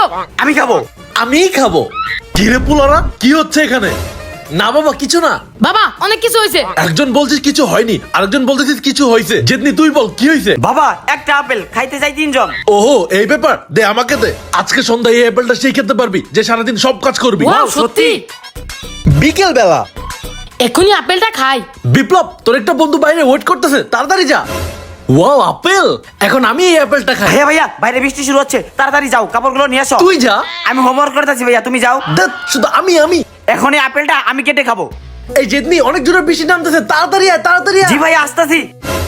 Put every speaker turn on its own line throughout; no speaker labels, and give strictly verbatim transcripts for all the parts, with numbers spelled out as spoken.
আমি খাবো।
আমিই খাবো। কি রে পুলারা, কি হচ্ছে এখানে? না বাবা কিছু না।
বাবা অনেক কিছু হয়েছে।
একজন বলছিস কিছু হয়নি, আরেকজন বলতেছিস কিছু হয়েছে। জেদনি তুই বল কি হয়েছে?
বাবা একটা আপেল খাইতে চাই তিনজন।
ওহো এই ব্যাপার, দে আমাকে দে। আজকে সন্ধ্যায় এই আপেলটা সেই খেতে পারবি যে সারাদিন সব কাজ করবি।
ওয়াও সত্যি।
বিকেল বেলা
এখনই আপেলটা খাই।
বিপ্লব, তোর একটা বন্ধু বাইরে ওয়েট করতেছে, তাড়াতাড়ি যা। ওয়াও আপেল, এখন আমি এই আপেলটা খাই।
ভাইয়া ভাইয়া বাইরে বৃষ্টি শুরু হচ্ছে, তাড়াতাড়ি যাও কাপড়গুলো নিয়ে আসো।
তুই যা।
আমি হোমওয়ার্ক করতেছি ভাইয়া, তুমি যাও।
দেখ শুধু আমি আমি
এখন এই আপেলটা আমি কেটে খাবো।
এই জেদনি অনেক জোরে বৃষ্টি নামতেছে, তাড়াতাড়ি আয় তাড়াতাড়ি আয়।
জি ভাইয়া আসতেছি।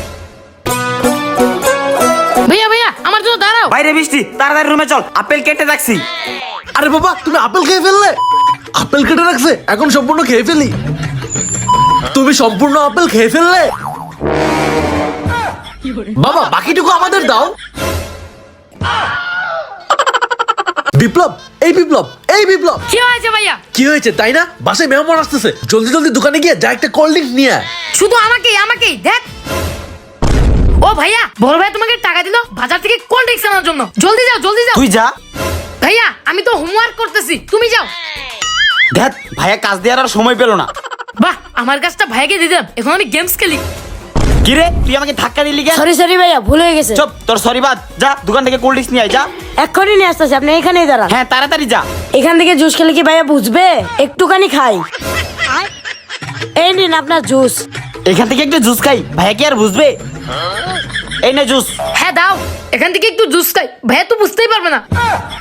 ভাইয়া ভাইয়া আমার জন্য দাঁড়াও।
বাইরে বৃষ্টি, তাড়াতাড়ি রুমে চল, আপেল কেটে রাখছি।
আরে বাবা তুমি আপেল খেয়ে ফেললে? আপেল কেটে রাখছে, এখন সম্পূর্ণ খেয়ে ফেলি। তুমি সম্পূর্ণ আপেল খেয়ে ফেললে? বাবা বাকিটুকু আমাদের দাও। বিপ্লব, এই বিপ্লব, এই বিপ্লব,
কি হয়েছে ভাইয়া?
কি হয়েছে তাই না? বাসায় মেহমান আসতেছে, জলদি জলদি দোকানে গিয়ে যা একটা কোল্ড ড্রিঙ্কস নিয়ে আয়।
শুধু আমাকেই আমাকেই দেখ। ও ভাইয়া, বড় ভাই তোমাকে টাকা দিল বাজার থেকে কোল্ড ড্রিঙ্কস আনার জন্য। জলদি যাও জলদি যাও।
তুই যা।
ভাইয়া আমি তো হোমওয়ার্ক করতেছি, তুমি যাও।
দেখ ভাইয়া কাজ দেওয়ার আর সময় পেলো না।
বাহ, আমার কাজটা ভাইকে দিয়ে দিলাম, এখন আমি গেমস খেলি।
কি রে তুই আমাকে ধাক্কা দিলি কেন?
সরি সরি ভাইয়া, ভুল হয়ে গেছে।
চুপ, তোর সরি বাদ। যা দোকান থেকে কোল্ড ড্রিঙ্কস নিয়ে আয়, যা।
এক্ষুনি নিয়ে আসতেছি, আপনি এখানেই দাঁড়ান।
হ্যাঁ তাড়াতাড়ি যা।
এখান থেকে জুস খেলে কি ভাইয়া বুঝবে? একটুখানি খাই। এই নিন আপনার জুস।
এখান থেকে একটু জুস খাই, ভাইয়া কি আর বুঝবে? এই নে জুস।
হ্যাঁ দাও, এখান থেকে একটু জুস খাই। ভাইয়া তো বুঝতেই পারবে না।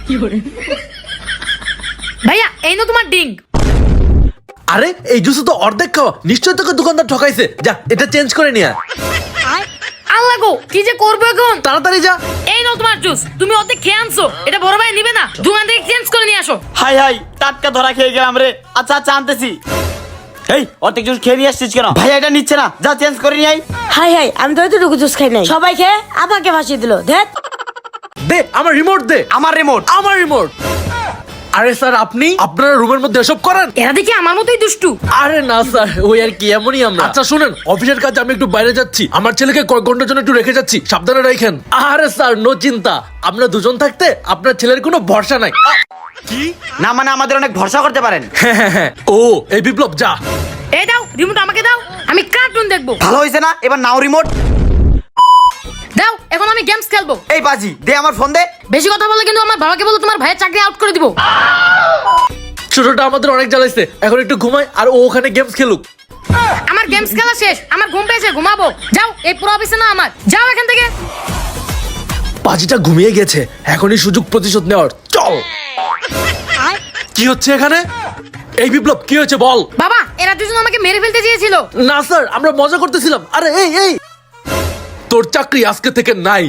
ভাইয়া এই নো তোমার ডিঙ্ক।
আরে এই জুস তো অর্ধেক খাওয়া, নিশ্চয়ই তোকে দোকানদার ঠকাইছে। যা এটা চেঞ্জ করে নিয়ে আয়।
আল্লাহ গো, কি যে করবো এখন?
তাড়াতাড়ি যা।
এই নাও তোমার জুস, তুমি অর্ধেক খেয়ে আনছো, এটা বড় ভাই নিবে না, দোকান থেকে চেঞ্জ করে নিয়ে আসো।
হাই হাই, টাটকা ধরা খেয়ে গেলাম রে। আচ্ছা আচ্ছা আনতেছি। এই অর্ধেক জুস খেয়ে নিয়ে আসছিস কেন? ভাইয়া এটা নিচ্ছে না, যা চেঞ্জ করে নিয়ে আয়।
হাই হাই, আমি তো এতটুকু জুস খাই নাই। সবাই খেয়ে আমাকে ভাসিয়ে দিল। দেখ
দে আমার রিমোট দে।
আমার রিমোট।
আমার রিমোট। আরে স্যার আপনি আপনার রুমের মধ্যে এসব করেন?
এরা দেখি আমার মতোই দুষ্টু।
আরে না স্যার, ওই আর কি এমনই আমরা। আচ্ছা শুনেন, অফিসের কাজে আমি একটু বাইরে যাচ্ছি, আমার ছেলেকে কয়েক ঘন্টার জন্য একটু রেখে যাচ্ছি, সাবধানে রাখেন। আরে স্যার নো চিন্তা, আমরা দুজন থাকতে আপনার ছেলের কোনো ভরসা নাই। কি
না মানে আমাদের অনেক ভরসা করতে পারেন।
হ্যাঁ হ্যাঁ হ্যাঁ। ও এই বিপ্লব যা।
এই দাও রিমোট, আমাকে দাও, আমি কার্টুন দেখবো।
ভালো হয়েছে না? এবার নাও রিমোট।
দাও, এখন আমি গেমস খেলবো।
এই বাজি দে আমার ফোন দে।
বেশি কথা বলে কিন্তু আমার বাবাকে বলো তোমার ভাইয়ের চাকরি আউট করে দিব।
ছোটটা আমাদের অনেক জ্বালাইছে, এখন একটু ঘুমাই আর ও ওখানে গেমস খেলুক।
আমার গেমস খেলা শেষ, আমার ঘুম পেয়েছে, ঘুমাবো। যাও, এই পুরো অফিসে না আমার, যাও এখান থেকে।
বাজিটা ঘুমিয়ে গেছে, এখনই সুযোগ প্রতিশোধ নেওয়ার। চল। কি হচ্ছে এখানে? এই বিপ্লব কি হয়েছে বল।
বাবা এরা দুজন আমাকে মেরে ফেলতে চেয়েছিল।
না স্যার, আমরা মজা করতেছিলাম। আরে এই এই তোর চাকরি আজকে থেকে নাই।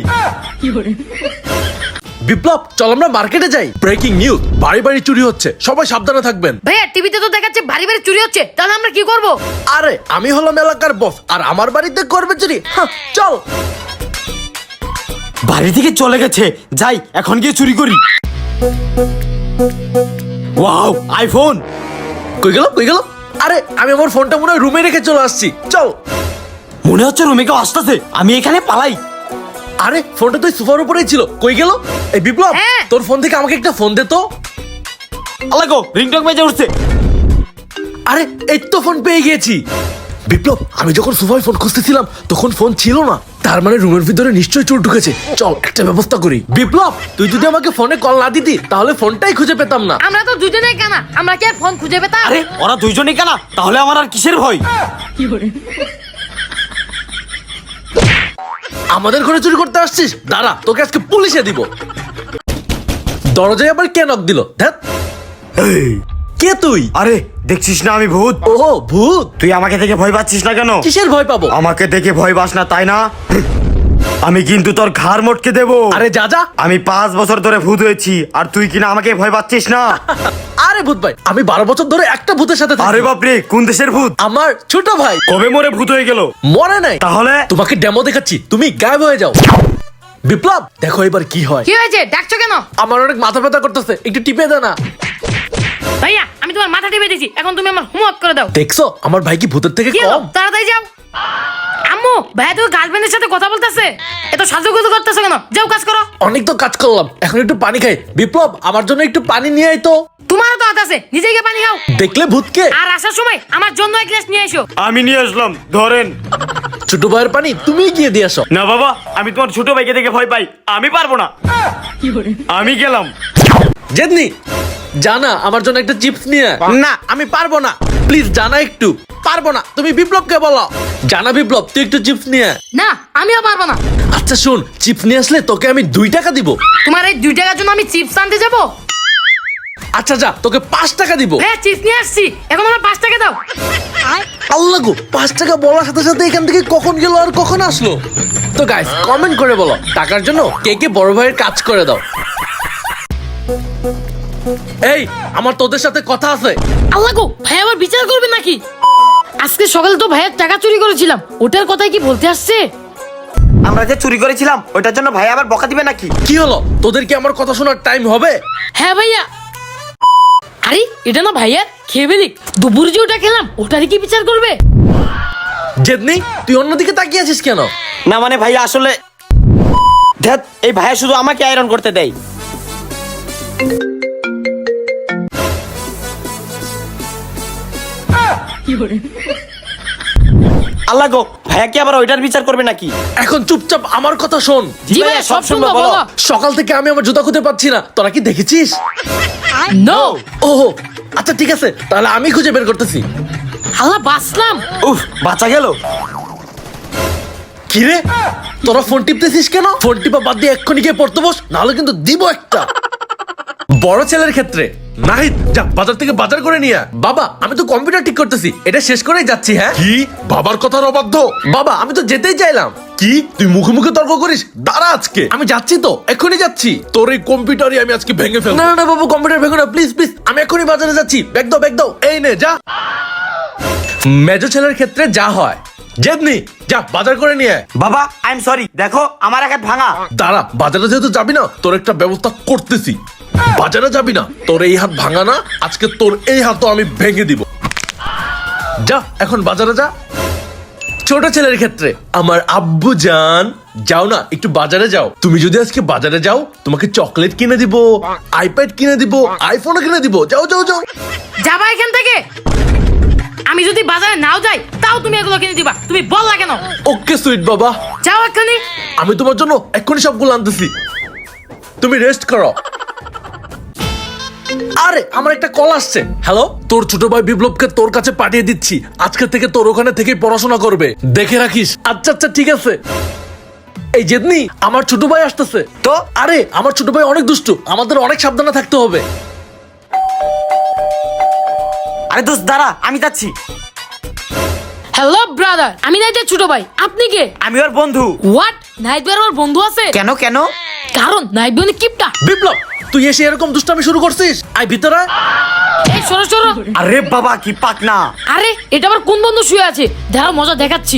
বিপ্লব চল আমরা মার্কেটে যাই। ব্রেকিং নিউজ, বাড়ি বাড়ি চুরি হচ্ছে, সবাই সাবধানে থাকবেন।
ভাইয়া টিভিতে তো দেখাচ্ছে বাড়ি বাড়ি চুরি হচ্ছে, তাহলে আমরা কি করব?
আরে আমি হলাম এলাকার বস, আর আমার বাড়িতে করবে চুরি? হ্যাঁ, চল।
বাড়ি থেকে চলে গেছে, যাই এখন গিয়ে চুরি করি। Wow iPhone.
কই গেল কই গেল? আরে আমি আমার ফোনটা মনে হয় রুমে রেখে চলে আসছি, চল।
মনে হচ্ছে রুমে কেউ আসতেছে, আমি এখানে পালাই।
আরে ফোনটা তো সোফার উপরেই ছিল, কই গেল? এই বিপ্লব
হ্যাঁ।
তোর ফোন থেকে আমাকে একটা ফোন দে তো।
আল্লাহ গো, রিংটং বেজে উঠছে।
আরে এই তো ফোন পেয়ে গিয়েছি। বিপ্লব আমি যখন সোফায় ফোন খুঁজতেছিলাম তখন ফোন ছিল না, তার মানে রুমের ভিতরে নিশ্চয়ই চোর ঢুকেছে। চল একটা ব্যবস্থা করি। বিপ্লব তুই যদি আমাকে ফোনে কল না দিতি তাহলে ফোনটাই খুঁজে পেতাম না।
আমরা তো দুজনেই কানা, আমরা কি আর ফোন খুঁজে পেতাম?
আরে ওরা দুইজনই কেনা, তাহলে আমার আর কিসের ভয়?
আমাদের ঘরে চুরি করতে আসছিস? দাঁড়া তোকে আজকে পুলিশে দিব। দরজায় আবার কে নক দিল? ধ্যাৎ, কে তুই?
আরে দেখছিস না আমি ভূত?
ও ভূত।
তুই আমাকে দেখে ভয় পাচ্ছিস না কেন?
কিসের ভয় পাবো?
আমাকে দেখে ভয় পাস না তাই না? আমি কিন্তু তোর ঘাড় মটকে দেবো।
আরে যা যা।
আমি পাঁচ বছর ধরে ভূত হয়েছি, আর তুই কিনা আমাকে ভয় পাচ্ছিস না?
আরে ভূত ভাই, আমি বারো বছর ধরে একটা ভূতের সাথে থাকি।
আরে বাপরে, কোন দেশের ভূত?
আমার ছোট ভাই।
কবে মরে ভূত হয়ে গেল?
মরে নাই।
তাহলে
তোমাকে ডেমো দেখাচ্ছি, তুমি গায়েব হয়ে যাও। বিপ্লব দেখো এবার কি হয়।
কি হয়েছে, ডাকছো কেন?
আমার অনেক মাথা ব্যথা করতেছে, একটু টিপে দে না।
ভাইয়া আমি তোমার মাথা টিপে দিয়েছি, এখন তুমি আমার হোমওয়ার্ক করে দাও।
দেখছো আমার ভাই কি ভূতের থেকে
কি হলো?
কম?
তাড়াতাড়ি যাও। আম্মু ভাইয়া তো গার্লফ্রেন্ডের সাথে কথা বলতেছে, এত সাজুগুজু করতেছো কেন? যাও কাজ করো।
অনেক তো কাজ করলাম, এখন একটু পানি খাই। বিপ্লব, আমার জন্য একটু পানি নিয়ে আয় তো।
তোমারও তো হাত আছে, নিজে গিয়ে পানি খাও।
দেখলে ভূতকে।
আর আসার সময় আমার জন্য এক গ্লাস নিয়ে এসো।
আমি নিয়ে আসলাম, ধরেন।
ছোট ভাইয়ের পানি তুমি গিয়ে দিয়ে আসো।
না বাবা, আমি তোমার ছোট ভাইকে দেখে ভয় পাই, আমি পারবো না। আমি গেলাম।
জেদনি, জানা আমার জন্য একটা চিপস নিয়ে আয়। না আমি পারবো না, প্লিজ জানা একটু। পারবো না, তুমি বিপ্লবকে বলো। জানা বিপ্লব, তুই একটু চিপস নিয়ে আয়।
না আমিও পারবো না।
আচ্ছা শোন, চিপস নিয়ে আসলে তোকে আমি দুই টাকা দিব।
তোমার এই দুই টাকার জন্য আমি চিপস আনতে যাবো?
আচ্ছা যা, তোকে পাঁচ টাকা দিব।
হ্যাঁ চিপস নিয়ে আসছি, এখন আমার পাঁচ টাকা দাও।
আল্লাহ গো, পাঁচ টাকা বলার সাথে সাথে এখান থেকে কখন গেল আর কখন আসলো। তো গাইস, কমেন্ট করে বলো টাকার জন্য কে কে বড় ভাইয়ের কাজ করে দাও। এই, আমার তোদের সাথে কথা আছে।
আল্লাহ গো, ভাই আবার বিচার করবে নাকি? আজকে সকালে তো ভাইয়ের টাকা চুরি করেছিলাম, ওটার কথাই কি বলতে আসছে?
আমরা যে চুরি করেছিলাম ওটার জন্য ভাই আবার বকা দিবে নাকি?
কি হলো, তোদের কি আমার কথা শোনার টাইম হবে?
হ্যাঁ ভাইয়া। আরে এটা না ভাইয়া, খেয়ে ফেলি। দুপুরে যে ওটা খেলাম ওটারই কি বিচার করবে?
জেদনি, তুই অন্যদিকে তাকিয়ে আছিস কেন?
না মানে ভাইয়া আসলে ধ্যাৎ, এই ভাইয়া শুধু আমাকে আয়রন করতে দেয়। আল্লাহ গো, ভাইয়া কি আবার ওইটার বিচার করবে নাকি?
এখন চুপচাপ আমার কথা শোন।
জি ভাইয়া, সব শুনবো, বলো।
সকাল থেকে আমি আমার জুতা খুঁজে পাচ্ছি না, তোরা কি দেখেছিস?
নো।
ওহো, আচ্ছা ঠিক আছে, তাহলে আমি খুঁজে বের করতেছি।
আল্লাহ বাঁচলাম।
উফ, বাঁচা গেল।
কি রে, তোরা ফোন টিপতেছিস কেন? ফোন টিপা বাদ দিয়ে এক্ষুনি গিয়ে পড়তে বস, নাহলে কিন্তু দিব একটা। বড় ছেলের ক্ষেত্রে নাহিদ, যা বাজার থেকে বাজার করে নিয়ে আয়। বাবা, আমি তো কম্পিউটার ঠিক করতেছি, এটা শেষ করেই যাচ্ছি। হ্যাঁ
কি বাবার কথার অবাধ্য?
বাবা, আমি তো যেতেই চাইলাম।
কি তুই মুখে মুখে তর্ক করিস? দাঁড়া আজকে
আমি যাচ্ছি তো, এক্ষুনি যাচ্ছি।
তোর এই কম্পিউটারই আমি আজকে ভেঙে ফেলবো।
না না না বাবু, কম্পিউটার ভেঙো না, প্লিজ প্লিজ, আমি এক্ষুনি বাজারে যাচ্ছি। ব্যাগ দাও, ব্যাগ দাও।
এই নে যা।
মেজো ছেলের ক্ষেত্রে যা হয়।
জেদনি, যা বাজার করে নিয়ে আয়।
বাবা আই এম সরি, দেখো আমার এক হাত ভাঙা।
দাঁড়া, বাজারে যেহেতু যাবি না, তোর একটা ব্যবস্থা করতেছি। বাজারে যাবি না, তোর এই হাত ভাঙা না, আজকে তোর এই হাতও আমি ভেঙে দিব।
যা এখন বাজারে যা। ছোট ছেলের ক্ষেত্রে আমার আব্বু জান, যাও না একটু বাজারে যাও। তুমি যদি আজকে বাজারে যাও, তোমাকে চকলেট কিনে দিব, আইপ্যাড কিনে দিব, আইফোনও কিনে দিব। যাও যাও যাও।
যাবা এখান থেকে। আমি যদি বাজারে নাও যাই তাও তুমি এগুলো কিনে দিবা, তুমি বললা কেন?
ওকে সুইট বাবা,
যাও এক্ষুনি।
আমি তোমার জন্য এক্ষুনি সবগুলো আনতেছি, তুমি রেস্ট করো। আরে আমার একটা কল আসছে। হ্যালো, তোর ছোট ভাই বিপ্লবকে তোর কাছে পাঠিয়ে দিচ্ছি, আজকে থেকে তোর ওখানে থেকেই পড়াশোনা করবে, দেখে রাখিস। আচ্ছা আচ্ছা ঠিক আছে। এই জেদনি, আমার ছোট ভাই আসতেছে তো। আরে আমার ছোট ভাই অনেক দুষ্টু, আমাদের অনেক সাবধানে থাকতে হবে।
আরে দোস্ত দাঁড়া, আমি যাচ্ছি।
হ্যালো ব্রাদার, আমি নাইটের ছোট ভাই, আপনি কে?
আমি ওর বন্ধু।
হোয়াট? নাইট ভাই আমার বন্ধু আছে?
কেন কেন?
কারণ নাইট ভাই কিপটা।
বিপ্লব, তুই এসে এরকম দুষ্টামি শুরু করছিস? আই ভিতরে আয়।
এই সরো সরো।
আরে বাবা কি পাক না।
আরে এটা আবার কোন বন্ধু শুয়ে আছে? দেখো মজা দেখাচ্ছি।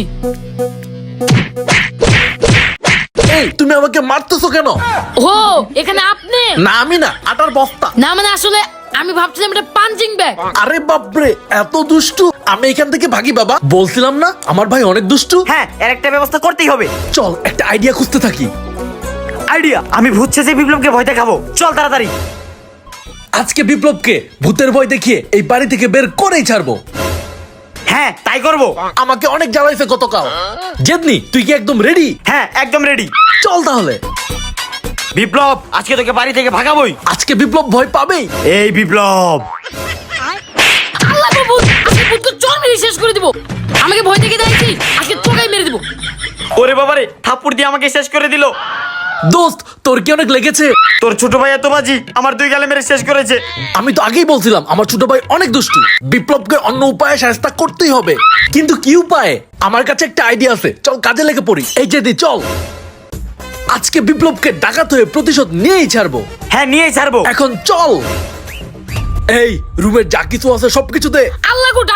এই তুমি আমাকে মারতেছো কেন?
ও এখানে আপনি?
না আমি না, আটার বস্তা।
না মানে আসলে আমি ভাবছিলাম এটা পাঞ্চিং ব্যাগ।
আরে বাপরে, এত দুষ্টু। আমি এখান থেকে ভাগি বাবা, বলছিলাম না আমার ভাই অনেক দুষ্টু।
হ্যাঁ, এর একটা ব্যবস্থা করতেই হবে।
চল একটা আইডিয়া খুঁজতে থাকি।
আইডিয়া? আমি ভূত ছেঁচে বিপ্লবকে ভয় দেখাবো, চল তাড়াতাড়ি।
আজকে বিপ্লবকে ভূতের ভয় দেখিয়ে এই বাড়ি থেকে বের করেই ছাড়বো।
হ্যাঁ তাই করবো।
আমাকে অনেক জ্বালাইছে গতকাল। জেদনি, তুই কি একদম রেডি?
হ্যাঁ একদম রেডি।
চল তাহলে।
বিপ্লব, আজকে তোকে বাড়ি থেকে ভাগাবোই।
আজকে বিপ্লব ভয় পাবেই।
এই বিপ্লব,
আল্লাহ গো ভূত, আজকে ভূতকে চোর মেরে শেষ করে দিব। আমাকে ভয় দেখে দেখছি, আজকে তোকেই মেরে দিব।
ওরে বাবারে, থাপ্পড় দিয়ে আমাকে শেষ করে দিল।
দোস্ত, তোর কি অনেক লেগেছে?
তোর ছোট ভাই এত বাজি, আমার দুই গালে মেরে শেষ করেছে।
আমি তো আগেই বলছিলাম আমার ছোট ভাই অনেক দুষ্টু, বিপ্লবকে অন্য উপায়ে শাস্তি করতেই হবে। কিন্তু কি উপায়ে? আমার কাছে একটা আইডিয়া আছে, চল কাজে লেগে পড়ি। এই যে দি, চল আজকে বিপ্লবকে ডাকাত হয়ে প্রতিশোধ নিয়েই ছাড়বো।
হ্যাঁ নিয়েই ছাড়বো।
এখন চল। এই রুমের যা কিছু আছে সবকিছু দে।
আল্লাহ গো ডাকাত,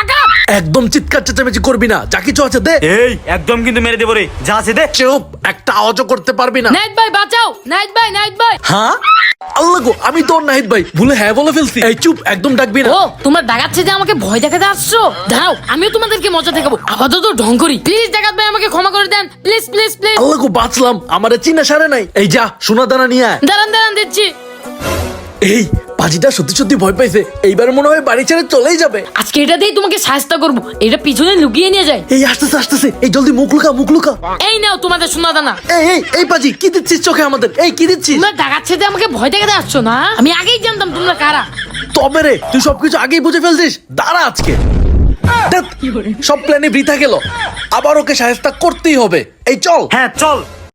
একদম চিৎকার চেঁচামেচি করবি না, যা কিছু আছে দে।
এই একদম কিন্তু মেরে দেবো রে, যা আছে দে।
চুপ, একটা আওয়াজও করতে পারবি না।
নাইট ভাই বাঁচাও, নাইট ভাই, নাইট ভাই।
হ্যাঁ আল্লাহ গো, আমি তোর নাহিদ ভাই ভুলে হ্যাঁ বলে ফেলছি। এই চুপ, একদম ডাকবি না।
ও তোমরা ডাকাচ্ছে যে আমাকে ভয় দেখাতে আসছো? দাঁড়াও, আমিও তোমাদেরকে মজা দেখাবো। আপাতত ঢং করি। প্লিজ ডাকাত ভাই আমাকে ক্ষমা করে দেন, প্লিজ প্লিজ প্লিজ।
আল্লাহ গো, বাঁচলাম, আমারে চিনা সারে নাই। এই যা সোনা দানা নিয়ে আয়।
দাঁড়ান দাঁড়ান দিচ্ছি।
এই পাজিটা সত্যি সত্যি ভয় পাইছে, এইবার মনে হয় বাড়ি ছেড়ে চলেই যাবে।
আজকে এটা দিয়ে তোমাকে সাহায্য করবো। এটা পিছনে লুকিয়ে নিয়ে যায়।
এই আসতেছে আসতেছে, এই জলদি মুখ লুকা মুখ লুকা।
এই নাও তোমাদের সোনা দানা।
এই এই এই পাজি কি দিচ্ছিস চোখে আমাদের? এই কি দিচ্ছিস?
তোমরা ডাকাচ্ছে যে আমাকে ভয় দেখাতে আসছো না? আমি আগেই জানতাম তোমরা কারা।
তবে রে তুই সবকিছু আগেই বুঝে ফেলছিস। দাঁড়া আজকে ধ্যাৎ, সব প্ল্যানে বৃথা গেল। আবার ওকে সাহায্য করতেই হবে। এই চল।
হ্যাঁ চল।